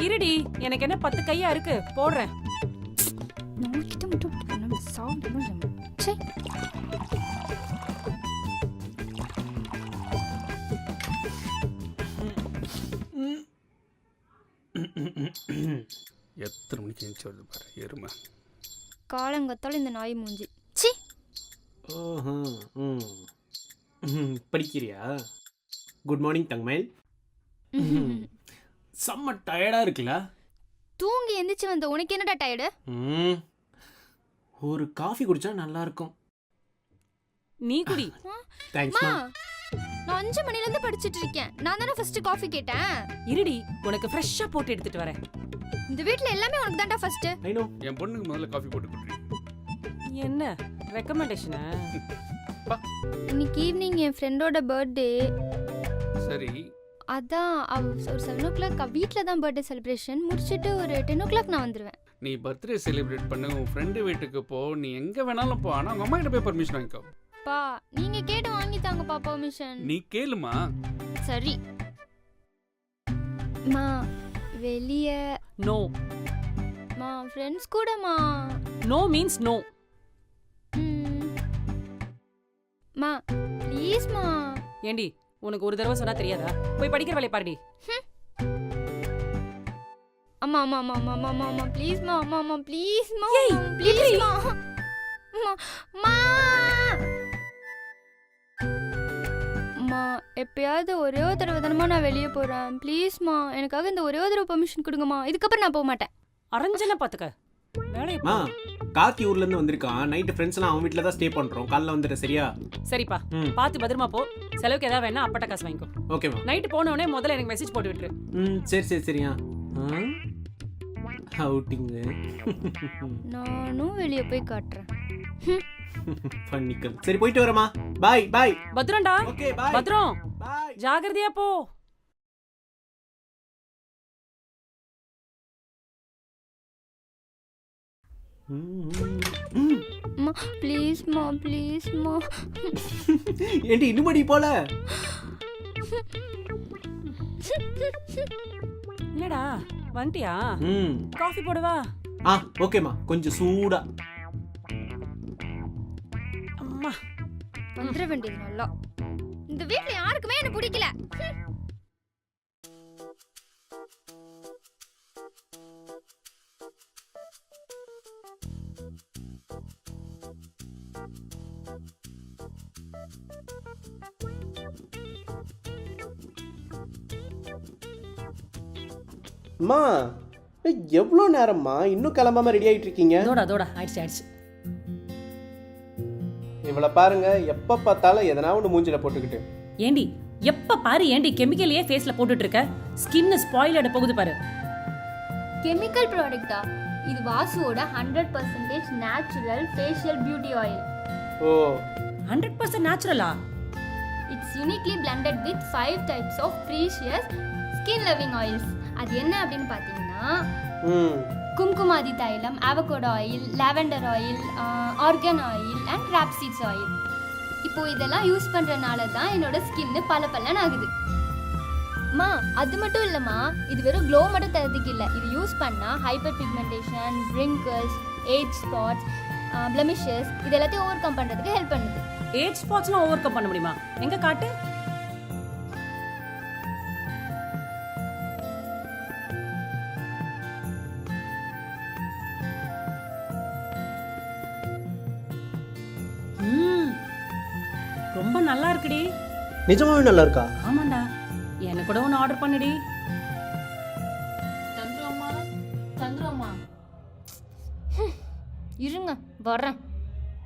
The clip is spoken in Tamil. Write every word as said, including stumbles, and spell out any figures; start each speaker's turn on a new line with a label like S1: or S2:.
S1: இருடி, எனக்கு என்ன பத்து கையா இருக்கு, போடுறேன்.
S2: எத்தனை மணிக்கு எழுந்துச்சு வருது பாரு எருமை.
S3: காலங்கத்தால இந்த நாய் மூஞ்சி. சி.
S4: ஓஹோ. ம் படிக்கிறியா? Good morning தங்கமேல். செம்ம டயர்டாக இருக்குல்ல?
S3: தூங்கி எந்திரிச்சு வந்த உனக்கு என்னடா டயர்டு?
S4: ம் ஒரு காஃபி குடிச்சா நல்லா இருக்கும்.
S1: நீ குடி.
S4: தேங்க்ஸ் மா.
S3: நான் அஞ்சு மணில இருந்து படிச்சிட்டு இருக்கேன். நான் தானே ஃபர்ஸ்ட் காஃபி கேட்டேன்.
S1: இருடி, உனக்கு ஃப்ரெஷ்ஷா போட்டு எடுத்துட்டு வரேன்.
S3: இந்த வீட்ல எல்லாமே உனக்கு தான்டா ஃபர்ஸ்ட்.
S4: I know.
S2: என் பொண்ணுக்கு முதல்ல காஃபி போட்டு குடுறீ.
S1: என்ன ரெக்கமெண்டேஷனா?
S3: இன்னைக்கு ஈவினிங் என் ஃப்ரெண்டோட பர்த்டே.
S2: சரி.
S3: அதான் ஒரு செவன் ஓ கிளாக் வீட்டில் தான் பர்த்டே செலிப்ரேஷன் முடிச்சுட்டு ஒரு டென் ஓ கிளாக் நான் வந்துடுவேன்.
S2: நீ பர்த்டே செலிப்ரேட் பண்ண உன் ஃப்ரெண்டு வீட்டுக்கு போ, நீ எங்கே வேணாலும் போ, ஆனால் உங்கள் அம்மா கிட்ட போய் பர்மிஷன் வாங்கிக்கோ.
S3: பா நீங்க கேட்டு வாங்கி தாங்கப்பா பர்மிஷன்.
S2: நீ கேளுமா.
S3: சரி மா. வெளிய
S1: நோ
S3: மா. ஃப்ரெண்ட்ஸ் கூடமா.
S1: No means no.
S3: மா ப்ளீஸ் மா.
S1: ஏண்டி, உனக்கு ஒரு தடவை சொன்னா தெரியாதா? போய் படிக்கிற வேலைய பாருடி.
S3: அம்மா அம்மா அம்மா அம்மா அம்மா அம்மா ப்ளீஸ் மா. அம்மா அம்மா ப்ளீஸ் மா.
S1: ஏய்
S3: ப்ளீஸ் மா. அம்மா மா. அம்மா எப்பயாவது ஒரே ஒரு தடவை தானமா நான் வெளியே போறேன். ப்ளீஸ் மா, எனக்காக இந்த ஒரே ஒரு தடவை பெர்மிஷன் கொடுங்கம்மா. இதுக்கப்புறம் நான் போக மாட்டேன்.
S1: அரஞ்சன பாத்துக்க. வேலைய
S4: மா, காக்கி ஊர்ல இருந்து வந்திருக்கான். நைட் ஃப்ரெண்ட்ஸ் எல்லாம் அவன் வீட்ல தான் ஸ்டே பண்றோம். காலைல வந்துரு சரியா?
S1: சரிப்பா. பாத்து பத்திரமா போ. செலவுக்கு ஏதாவது வேணா அப்பட்ட காசு வாங்கிக்கோ.
S4: ஓகேமா.
S1: நைட் போன உடனே முதல்ல எனக்கு மெசேஜ் போட்டு விட்டுரு.
S4: ம் சரி சரி சரியா. அவுட்டிங்.
S3: நானும் வெளியே போய் காட்டுறேன்.
S4: பண்ணிக்கல். சரி போயிட்டு வரமா. Bye bye.
S1: பத்ரம்டா.
S4: Okay bye.
S1: பத்ரம்.
S4: பை.
S1: ஜாகிரதையா போ.
S3: மா ப்ளீஸ் மா ப்ளீஸ் மா.
S4: ஏண்டி இன்னுமடி போல?
S1: என்னடா வந்துட்டியா?
S4: ம்
S1: காஃபி போடுவா?
S4: ஆ ஓகேமா, கொஞ்சம் சூடா.
S1: அம்மா
S3: வந்துட வேண்டியது நல்லா. இந்த வீட்ல யாருக்குமே என்ன பிடிக்கல.
S5: அம்மா எவ்வளோ நேரம்மா இன்னும் கிளம்பாம ரெடி ஆகிட்டு இருக்கீங்க?
S1: தோடா தோடா ஆயிடுச்சு ஆயிடுச்சு.
S5: இவளை பாருங்க, எப்போ பார்த்தாலும் எதனா ஒன்று மூஞ்சில போட்டுக்கிட்டு.
S1: ஏண்டி எப்ப பாரு ஏண்டி கெமிக்கலையே ஃபேஸ்ல போட்டுட்டு இருக்க? ஸ்கின் ஸ்பாயில் ஆட போகுது பாரு.
S3: கெமிக்கல் ப்ராடக்ட்டா? இது வாசுவோட hundred percentage natural facial beauty oil.
S5: Oh
S1: hundred percent நேச்சுரலா?
S3: It's uniquely blended with five types of precious skin loving oils. அது என்ன அப்படின்னு பார்த்தீங்கன்னா
S5: ம்
S3: Kumkumadi thailam, avocado oil, lavender oil, argan oil and rapeseeds oil. இப்போ இதெல்லாம் யூஸ் பண்றதுனால தான் என்னோட ஸ்கின் பல பலன் ஆகுது. மா அது மட்டும் இல்லம்மா, இது வெறும் க்ளோ மட்டும் தரதுக்கு இல்லை. இது யூஸ் பண்ணா hyperpigmentation, wrinkles, age spots, blemishes இது எல்லாத்தையும் ஓவர் கம் பண்றதுக்கு ஹெல்ப் பண்ணுது.
S1: ஏஜ் ஸ்பாட்ஸ்லாம் ஓவர் கம் பண்ண முடியுமா? எங்க காட்டு. ரொம்ப நல்லா இருக்குடி.
S5: நிஜமாவே நல்லா இருக்கா?
S1: ஆமாண்டா, எனக்கு கூட ஒன்று ஆர்டர் பண்ணுடி.
S3: தந்துருமா தந்துருமா இருங்க வரேன்.